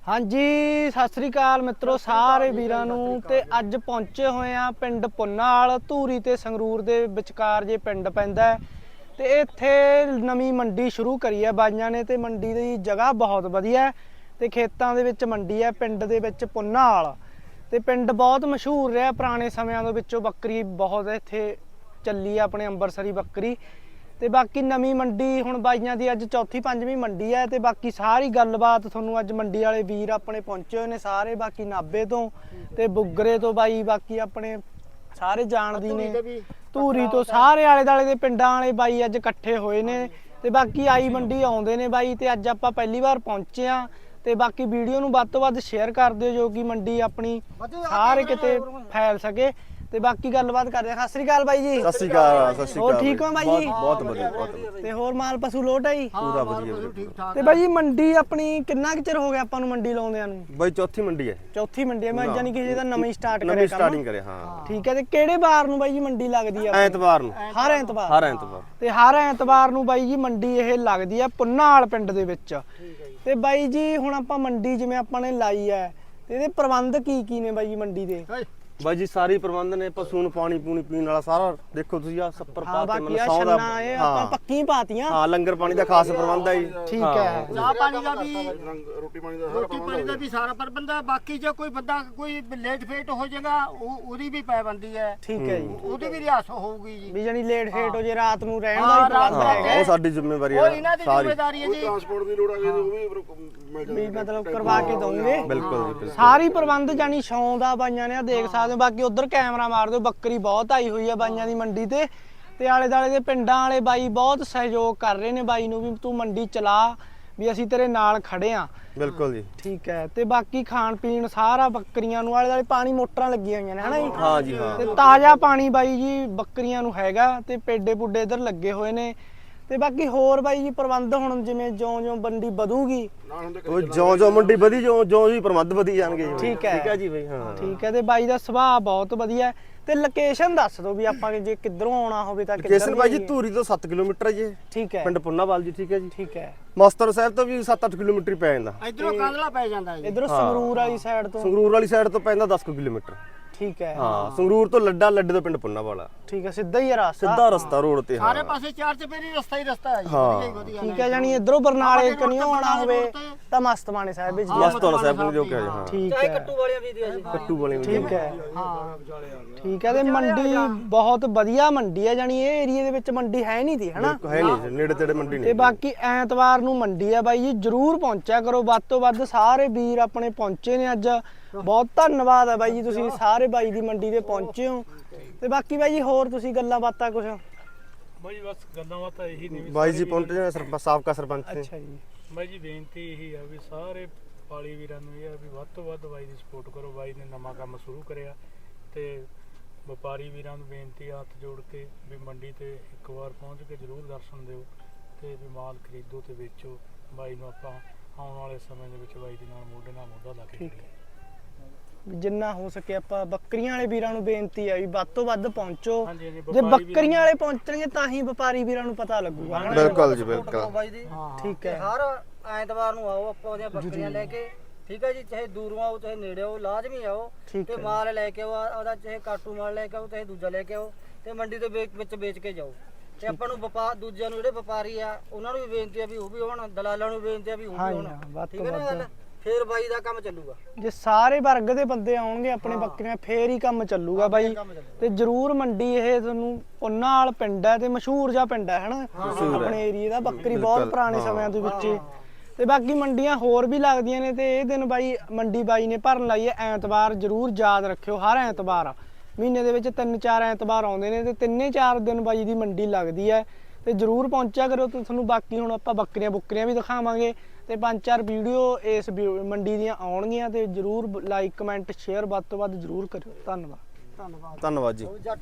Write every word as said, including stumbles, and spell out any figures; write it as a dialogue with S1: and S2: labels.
S1: ਹਾਂਜੀ ਸਤਿ ਸ੍ਰੀ ਅਕਾਲ ਮਿੱਤਰੋ ਸਾਰੇ ਵੀਰਾਂ ਨੂੰ। ਤੇ ਅੱਜ ਪਹੁੰਚੇ ਹੋਏ ਆ ਪਿੰਡ ਪੁੰਨਾਲ ਧੂਰੀ ਤੇ ਸੰਗਰੂਰ ਦੇ ਵਿਚਕਾਰ ਜੇ ਪਿੰਡ ਪੈਂਦਾ ਤੇ ਇੱਥੇ ਨਵੀਂ ਮੰਡੀ ਸ਼ੁਰੂ ਕਰੀ ਹੈ ਬਾਈਆਂ ਨੇ। ਤੇ ਮੰਡੀ ਦੀ ਜਗ੍ਹਾ ਬਹੁਤ ਵਧੀਆ ਤੇ ਖੇਤਾਂ ਦੇ ਵਿੱਚ ਮੰਡੀ ਹੈ ਪਿੰਡ ਦੇ ਵਿੱਚ ਪੁੰਨਾਲ। ਤੇ ਪਿੰਡ ਬਹੁਤ ਮਸ਼ਹੂਰ ਰਿਹਾ ਪੁਰਾਣੇ ਸਮਿਆਂ ਦੇ ਵਿੱਚੋਂ, ਬੱਕਰੀ ਬਹੁਤ ਇੱਥੇ ਚੱਲੀ ਆ ਆਪਣੇ ਅੰਬਰਸਰੀ ਬੱਕਰੀ। ਤੇ ਬਾਕੀ ਨਵੀਂ ਮੰਡੀ ਹੁਣ ਬਾਈਆਂ ਦੀ ਅੱਜ ਚੌਥੀ ਪੰਜਵੀਂ ਮੰਡੀ ਹੈ। ਤੇ ਬਾਕੀ ਸਾਰੀ ਗੱਲਬਾਤ ਤੁਹਾਨੂੰ ਅੱਜ ਮੰਡੀ ਵਾਲੇ ਵੀਰ ਆਪਣੇ ਪਹੁੰਚੇ ਹੋਏ ਨੇ ਸਾਰੇ, ਬਾਕੀ ਨਾਭੇ ਤੋਂ ਤੇ ਬੁੱਗਰੇ ਤੋਂ ਬਾਈ, ਬਾਕੀ ਆਪਣੇ ਸਾਰੇ ਜਾਣਦੀ ਨੇ ਧੂਰੀ ਤੋਂ, ਸਾਰੇ ਆਲੇ ਦੁਆਲੇ ਦੇ ਪਿੰਡਾਂ ਵਾਲੇ ਬਾਈ ਅੱਜ ਇਕੱਠੇ ਹੋਏ ਨੇ। ਤੇ ਬਾਕੀ ਆਈ ਮੰਡੀ ਆਉਂਦੇ ਨੇ ਬਾਈ। ਤੇ ਅੱਜ ਆਪਾਂ ਪਹਿਲੀ ਵਾਰ ਪਹੁੰਚੇ ਆ ਤੇ ਬਾਕੀ ਵੀਡੀਓ ਨੂੰ ਵੱਧ ਤੋਂ ਵੱਧ ਸ਼ੇਅਰ ਕਰ ਦਿਓ ਜੋ ਕਿ ਮੰਡੀ ਆਪਣੀ ਸਾਰੇ ਕਿਤੇ ਫੈਲ ਸਕੇ। ਤੇ ਬਾਕੀ ਗੱਲਬਾਤ ਕਰਦੇ ਆ। ਸਤਿ ਸ੍ਰੀ ਅਕਾਲ ਬਾਈ ਜੀ।
S2: ਸਤਿ ਸ੍ਰੀ ਅਕਾਲ। ਸਤਿ ਸ੍ਰੀ ਅਕਾਲ।
S1: ਹੋਰ ਠੀਕ ਹੋ ਬਾਈ ਜੀ?
S2: ਬਹੁਤ ਵਧੀਆ ਬਹੁਤ ਵਧੀਆ।
S1: ਤੇ ਹੋਰ ਮਾਲ ਪਸ਼ੂ ਲੋਟ ਹੈ ਜੀ?
S2: ਪੂਰਾ ਵਧੀਆ।
S1: ਤੇ ਬਾਈ ਜੀ ਮੰਡੀ ਆਪਣੀ ਕਿੰਨਾ ਕੁ ਚਿਰ ਹੋ ਗਿਆ ਆਪਾਂ ਨੂੰ ਮੰਡੀ ਲਾਉਂਦਿਆਂ ਨੂੰ?
S2: ਬਾਈ ਚੌਥੀ ਮੰਡੀ ਹੈ।
S1: ਚੌਥੀ ਮੰਡੀ ਹੈ। ਮੈਂ ਜਾਨੀ ਕਿ ਜਿਹਦਾ ਨਵੀਂ ਸਟਾਰਟ ਕਰਿਆ
S2: ਨਵੀਂ ਸਟਾਰਟਿੰਗ ਕਰੇ ਹਾਂ।
S1: ਠੀਕ ਹੈ। ਤੇ ਕਿਹੜੇ ਵਾਰ ਨੂੰ ਬਾਈ ਜੀ ਮੰਡੀ ਲੱਗਦੀ ਆ?
S2: ਐਤਵਾਰ ਨੂੰ।
S1: ਹਰ ਐਤਵਾਰ?
S2: ਹਰ ਐਤਵਾਰ।
S1: ਤੇ ਹਰ ਐਤਵਾਰ ਨੂੰ ਬਾਈ ਜੀ ਮੰਡੀ ਇਹ ਲੱਗਦੀ ਆ ਪੁੰਨਾਲ ਪਿੰਡ ਦੇ ਵਿੱਚ। ਤੇ ਬਾਈ ਜੀ ਹੁਣ ਆਪਾਂ ਮੰਡੀ ਜਿਵੇਂ ਆਪਾਂ ਨੇ ਲਾਈ ਹੈ ਤੇ ਇਹਦੇ ਪ੍ਰਬੰਧ ਕੀ ਕੀ ਨੇ ਬਾਈ ਜੀ ਮੰਡੀ ਦੇ?
S2: ਬਾਈ ਜੀ ਸਾਰੀ ਪ੍ਰਬੰਧ ਨੇ, ਪਸ਼ੂ ਨੂੰ ਪਾਣੀ ਪੂਣੀ ਪੀਣ ਵਾਲਾ ਸਾਰਾ ਦੇਖੋ ਤੁਸੀਂ ਆ ਸੱਪਰ ਪਾ ਕੇ
S1: ਮਨ ਸੌ ਦਾ ਆਪਾਂ ਪੱਕੀ ਪਾਤੀਆਂ।
S2: ਹਾਂ ਲੰਗਰ ਪਾਣੀ ਦਾ ਖਾਸ ਪ੍ਰਬੰਧ ਹੈ ਜੀ।
S1: ਠੀਕ ਹੈ।
S3: ਚਾਹ ਪਾਣੀ ਦਾ ਵੀ, ਰੋਟੀ ਪਾਣੀ ਦਾ ਰੋਟੀ ਪਾਣੀ ਦਾ ਵੀ ਸਾਰਾ ਪ੍ਰਬੰਧ ਹੈ। ਬਾਕੀ ਜੇ ਕੋਈ ਬੰਦਾ ਕੋਈ ਲੇਟ ਫੇਟ ਹੋ ਜਾਏਗਾ ਉਹਦੀ ਵੀ ਪਾਬੰਦੀ ਹੈ।
S1: ਠੀਕ ਹੈ ਜੀ।
S3: ਉਹਦੀ ਵੀ ਰਿਆਸਤ ਹੋਊਗੀ ਜੀ।
S1: ਵੀ ਜਾਨੀ ਲੇਟ ਫੇਟ ਹੋ ਜੇ ਰਾਤ ਨੂੰ ਰਹਿਣ ਦਾ ਵੀ ਪ੍ਰਬੰਧ ਹੈਗਾ।
S2: ਉਹ ਸਾਡੀ ਜ਼ਿੰਮੇਵਾਰੀ ਹੈ।
S3: ਉਹ ਇਹਨਾਂ ਦੀ ਜ਼ਿੰਮੇਵਾਰੀ ਹੈ ਜੀ।
S4: ਟਰਾਂਸਪੋਰਟ ਦੀ ਲੋੜ ਆ ਗਈ ਉਹ ਵੀ
S1: ਵੀ ਮਤਲਬ ਕਰਵਾ ਕੇ ਦੋਗੇ।
S2: ਬਿਲਕੁਲ ਜੀ।
S1: ਸਾਰੀ ਪ੍ਰਬੰਧ ਜਾਨੀ ਛਾਂ ਦਾ ਬਾਈਆਂ ਨੇ ਦੇਖ ਸਕਦੇ ਹੋ। ਬਾਕੀ ਉਧਰ ਕੈਮਰਾ ਮਾਰ ਦਿਓ, ਬੱਕਰੀ ਬਹੁਤ ਆਈ ਹੋਈ ਹੈ ਬਾਈਆਂ ਦੀ ਮੰਡੀ ਤੇ। ਤੇ ਆਲੇ ਦਾਲੇ ਦੇ ਪਿੰਡਾਂ ਵਾਲੇ ਬਾਈ ਬਹੁਤ ਸਹਿਯੋਗ ਕਰ ਰਹੇ ਨੇ ਬਾਈ ਨੂੰ ਵੀ ਤੂੰ ਮੰਡੀ ਚਲਾ, ਵੀ ਅਸੀਂ ਤੇਰੇ ਨਾਲ ਖੜੇ ਆ।
S2: ਬਿਲਕੁਲ ਜੀ।
S1: ਠੀਕ ਹੈ। ਤੇ ਬਾਕੀ ਖਾਣ ਪੀਣ ਸਾਰਾ ਬੱਕਰੀਆਂ ਨੂੰ, ਆਲੇ ਦਾਲੇ ਪਾਣੀ ਮੋਟਰਾਂ ਲੱਗੀਆਂ ਹੋਈਆਂ ਨੇ ਹਨਾ ਜੀ?
S2: ਹਾਂ ਜੀ ਹਾਂ।
S1: ਤੇ ਤਾਜ਼ਾ ਪਾਣੀ ਬਾਈ ਜੀ ਬੱਕਰੀਆਂ ਨੂੰ ਹੈਗਾ। ਤੇ ਪੇਡੇ ਪੁੱਡੇ ਇਧਰ ਲੱਗੇ ਹੋਏ ਨੇ। ਤੇ ਬਾਕੀ ਹੋਰ ਬਾਈ ਜੀ ਪ੍ਰਬੰਧ ਹੁਣ ਜਿਵੇਂ ਜਿਉਂ ਜਿਉਂ ਮੰਡੀ ਵਧੂਗੀ
S2: ਉਹ ਜਿਉਂ ਜਿਉਂ ਮੰਡੀ ਵਧੀ ਜਿਉਂ ਜਿਉਂ ਜੀ ਪ੍ਰਬੰਧ ਵਧੀ ਜਾਣਗੇ ਜੀ।
S1: ਠੀਕ ਹੈ।
S2: ਠੀਕ ਹੈ ਜੀ ਬਾਈ। ਹਾਂ
S1: ਠੀਕ ਹੈ। ਤੇ ਬਾਈ ਦਾ ਸੁਭਾਅ ਬਹੁਤ ਵਧੀਆ। ਤੇ ਲੋਕੇਸ਼ਨ ਦੱਸ ਦਿਓ ਵੀ ਆਪਾਂ ਜੇ ਕਿੱਧਰੋਂ ਆਉਣਾ ਹੋਵੇ ਤਾਂ ਕਿੱਧਰ?
S2: ਲੋਕੇਸ਼ਨ ਬਾਈ ਜੀ ਧੂਰੀ ਤੋਂ ਸੱਤ ਕਿਲੋਮੀਟਰ ਹੈ ਜੀ।
S1: ਠੀਕ ਹੈ।
S2: ਪਿੰਡ ਪੁੰਨਾਵਾਲ ਜੀ। ਠੀਕ ਹੈ ਜੀ।
S1: ਠੀਕ ਹੈ।
S2: ਮਸਤਰ ਸਾਹਿਬ ਤੋਂ ਵੀ ਸੱਤ ਅੱਠ ਕਿਲੋਮੀਟਰ ਪੈ ਜਾਂਦਾ।
S3: ਇਧਰੋਂ ਕਾਂਦਲਾ ਪੈ ਜਾਂਦਾ ਜੀ।
S1: ਇਧਰੋਂ ਸੰਗਰੂਰ ਵਾਲੀ ਸਾਈਡ ਤੋਂ?
S2: ਸੰਗਰੂਰ ਵਾਲੀ ਸਾਈਡ ਤੋਂ ਪੈਂਦਾ ਦਸ ਕਿਲੋਮੀਟਰ।
S1: ਠੀਕ ਹੈ।
S2: ਹਾਂ ਸੰਗਰੂਰ ਤੋਂ ਲੱਡਾ, ਲੱਡੇ ਤੋਂ ਪਿੰਡ ਪੁੰਨਾਵਾਲਾ।
S1: ਠੀਕ ਹੈ। ਸਿੱਧਾ ਹੀ ਹੈ ਰਸਤਾ?
S2: ਸਿੱਧਾ ਰਸਤਾ ਰੋਡ ਤੇ।
S3: ਸਾਰੇ ਪਾਸੇ ਚਾਰ ਚਪੇਰੀ ਰਸਤਾ ਹੀ ਰਸਤਾ ਹੈ ਜੀ। ਵਧੀਆ ਹੀ ਵਧੀਆ।
S1: ਠੀਕ ਹੈ। ਜਾਨੀ ਇਧਰੋਂ ਬਰਨਾਲੇ ਕਨੀਓ ਆਉਣਾ ਹੋਵੇ ਤਾਂ ਮਸਤਮਾਨੇ ਸਾਹਿਬ ਵਿੱਚ?
S2: ਮਸਤਮਾਨਾ ਸਾਹਿਬ ਨੂੰ ਜੋ ਕਿਹਾ ਜੀ। ਹਾਂ
S1: ਠੀਕ ਹੈ।
S3: ਕੱਟੂ ਵਾਲਿਆਂ ਦੀ ਦਿਆ ਜੀ।
S2: ਕੱਟੂ ਵਾਲੇ ਵੀ।
S1: ਠੀਕ ਹੈ। ਠੀਕ ਹੈ। ਤੇ ਮੰਡੀ ਬਹੁਤ ਵਧੀਆ ਮੰਡੀ ਹੈ। ਜਾਨੀ ਇਹ ਏਰੀਏ ਦੇ ਵਿੱਚ ਮੰਡੀ ਹੈ ਨਹੀਂ ਤੀ ਹਨਾ?
S2: ਹੈ ਨਹੀਂ, ਨੇੜੇ ਤੇੜੇ ਮੰਡੀ ਨਹੀਂ।
S1: ਤੇ ਬਾਕੀ ਐਤਵਾਰ ਨੂੰ ਮੰਡੀ ਹੈ ਬਾਈ ਜੀ, ਜਰੂਰ ਪਹੁੰਚਿਆ ਕਰੋ ਵੱਧ ਤੋਂ ਵੱਧ। ਸਾਰੇ ਵੀਰ ਆਪਣੇ ਪਹੁੰਚੇ ਨੇ ਅੱਜ, ਬਹੁਤ ਧੰਨਵਾਦ ਹੈ ਬਾਈ ਜੀ ਤੁਸੀਂ ਸਾਰੇ ਬਾਈ ਦੀ ਮੰਡੀ ਤੇ ਪਹੁੰਚੇ ਹੋ। ਤੇ ਬਾਕੀ ਬਾਈ ਜੀ ਹੋਰ ਤੁਸੀਂ ਗੱਲਾਂ ਬਾਤਾਂ ਕੁਛ?
S5: ਬਾਈ ਜੀ ਬਸ ਗੱਲਾਂ ਬਾਤਾਂ ਇਹੀ ਨੇ।
S2: ਬਾਈ ਜੀ ਪਹੁੰਚੇ ਨੇ ਸਰਪੰਚ ਸਾਬਕਾ ਸਰਪੰਚ ਨੇ।
S1: ਅੱਛਾ ਜੀ।
S5: ਬਾਈ ਜੀ ਬੇਨਤੀ ਇਹੀ ਆ ਵੀ ਸਾਰੇ ਪਾਲੀ ਵੀਰਾਂ ਨੂੰ ਇਹ ਆ ਵੀ ਵੱਧ ਤੋਂ ਵੱਧ ਬਾਈ ਦੀ ਸਪੋਰਟ ਕਰੋ। ਬਾਈ ਨੇ ਨਵਾਂ ਕੰਮ ਸ਼ੁਰੂ ਕਰਿਆ ਤੇ ਵਪਾਰੀ ਵੀਰਾਂ ਨੂੰ ਬੇਨਤੀ ਆ ਹੱਥ ਜੋੜ ਕੇ ਵੀ ਮੰਡੀ ਤੇ ਇੱਕ ਵਾਰ ਪਹੁੰਚ ਕੇ ਜ਼ਰੂਰ ਦਰਸ਼ਨ ਦਿਓ ਤੇ ਵੀ ਮਾਲ ਖਰੀਦੋ ਤੇ ਵੇਚੋ। ਬਾਈ ਨੂੰ ਆਪਾਂ ਆਉਣ ਵਾਲੇ ਸਮੇਂ ਦੇ ਵਿੱਚ ਬਾਈ ਦੇ ਨਾਲ ਮੋਢੇ ਨਾਲ ਮੋਢਾ ਲਾ ਕੇ ਖੜੀਏ।
S1: ਜਿੰਨਾ ਹੋ ਸਕੇ ਆਪਾਂ ਬੱਕਰੀਆਂ ਵਾਲੇ ਵੀਰਾਂ ਨੂੰ ਬੇਨਤੀ ਆ ਵੀ ਵੱਧ ਤੋਂ ਵੱਧ ਪਹੁੰਚੋ।
S5: ਹਾਂਜੀ, ਹਾਂਜੀ,
S1: ਜੇ
S5: ਵਪਾਰੀ
S1: ਬੱਕਰੀਆਂ ਵਾਲੇ ਪਹੁੰਚਣਗੇ ਤਾਂ ਹੀ ਵਪਾਰੀ ਵੀਰਾਂ ਨੂੰ ਪਤਾ ਲੱਗੂਗਾ ਹਨਾ?
S2: ਬਿਲਕੁਲ ਜੀ ਬਿਲਕੁਲ।
S3: ਬਾਈ ਦੀ
S1: ਠੀਕ ਹੈ।
S3: ਹਰ ਐਤਵਾਰ ਨੂੰ ਆਓ ਆਪਾਂ ਉਹਦੀਆਂ ਬੱਕਰੀਆਂ ਲੈ ਕੇ। ਠੀਕ ਹੈ ਜੀ। ਚਾਹੇ ਦੂਰੋਂ ਆਓ ਚਾਹੇ ਨੇੜੇ ਆਓ, ਲਾਜ਼ਮੀ ਆਓ
S1: ਠੀਕ
S3: ਤੇ
S1: ਹੈ।
S3: ਮਾਲ ਲੈ ਕੇ ਆਓ ਉਹਦਾ, ਚਾਹੇ ਕਾਟੂ ਮਾਲ ਲੈ ਕੇ ਆਓ ਚਾਹੇ ਦੂਜਾ ਲੈ ਕੇ ਆਓ ਤੇ ਮੰਡੀ ਦੇ ਵਿੱਚ ਵਿੱਚ ਵੇਚ ਕੇ ਜਾਓ। ਤੇ ਆਪਾਂ ਨੂੰ ਵਪਾਰ ਦੂਜਿਆਂ ਨੂੰ ਜਿਹੜੇ ਵਪਾਰੀ ਆ ਉਹਨਾਂ ਨੂੰ ਵੀ ਬੇਨਤੀ ਆ ਵੀ ਉਹ ਵੀ ਆਉਣ, ਦਲਾਲਾਂ ਨੂੰ ਬੇਨਤੀ ਆ ਵੀ ਉਹ ਵੀ ਆਉਣ।
S1: ਵੱਧ
S3: ਠੀਕ
S1: ਤੋਂ
S3: ਹੈ ਨਾ ਗੱਲ? ਫੇਰ ਬਾਈ ਦਾ ਕੰਮ ਚੱਲੂਗਾ।
S1: ਜੇ ਸਾਰੇ ਵਰਗ ਦੇ ਬੰਦੇ ਆਉਣਗੇ ਆਪਣੇ ਬੱਕਰੀਆਂ ਫੇਰ ਹੀ ਕੰਮ ਚੱਲੂਗਾ ਬਾਈ। ਤੇ ਜਰੂਰ ਮੰਡੀ ਇਹ ਤੁਹਾਨੂੰ ਪੁੰਨਾਲ ਪਿੰਡ ਹੈ ਤੇ ਮਸ਼ਹੂਰ ਜਿਹਾ ਪਿੰਡ ਹੈ ਹਨਾ ਆਪਣੇ ਏਰੀਏ ਦਾ। ਬੱਕਰੀ ਬਹੁਤ ਪੁਰਾਣੇ ਸਮਿਆਂ ਦੇ ਵਿੱਚ। ਤੇ ਬਾਕੀ ਮੰਡੀਆਂ ਹੋਰ ਵੀ ਲੱਗਦੀਆਂ ਨੇ। ਤੇ ਇਹ ਦਿਨ ਬਾਈ ਮੰਡੀ ਬਾਈ ਨੇ ਭਰਨ ਲਾਈ ਹੈ ਐਤਵਾਰ। ਜਰੂਰ ਯਾਦ ਰੱਖਿਓ ਹਰ ਐਤਵਾਰ ਮਹੀਨੇ ਦੇ ਵਿੱਚ ਤਿੰਨ ਚਾਰ ਐਤਵਾਰ ਆਉਂਦੇ ਨੇ ਤੇ ਤਿੰਨੇ ਚਾਰ ਦਿਨ ਬਾਈ ਦੀ ਮੰਡੀ ਲੱਗਦੀ ਹੈ। ਤੇ ਜਰੂਰ ਪਹੁੰਚਿਆ ਕਰੋ। ਤੇ ਤੁਹਾਨੂੰ ਬਾਕੀ ਹੁਣ ਆਪਾਂ ਬੱਕਰੀਆਂ ਬੁੱਕਰੀਆਂ ਵੀ ਦਿਖਾਵਾਂਗੇ ਤੇ ਪੰਜ ਚਾਰ ਵੀਡੀਓ ਇਸ ਮੰਡੀ ਦੀਆਂ ਆਉਣਗੀਆਂ। ਤੇ ਜਰੂਰ ਲਾਈਕ ਕਮੈਂਟ ਸ਼ੇਅਰ ਵੱਧ ਤੋਂ ਵੱਧ ਜਰੂਰ ਕਰਿਓ। ਧੰਨਵਾਦ।
S3: ਧੰਨਵਾਦ
S2: ਧੰਨਵਾਦ ਜੀ।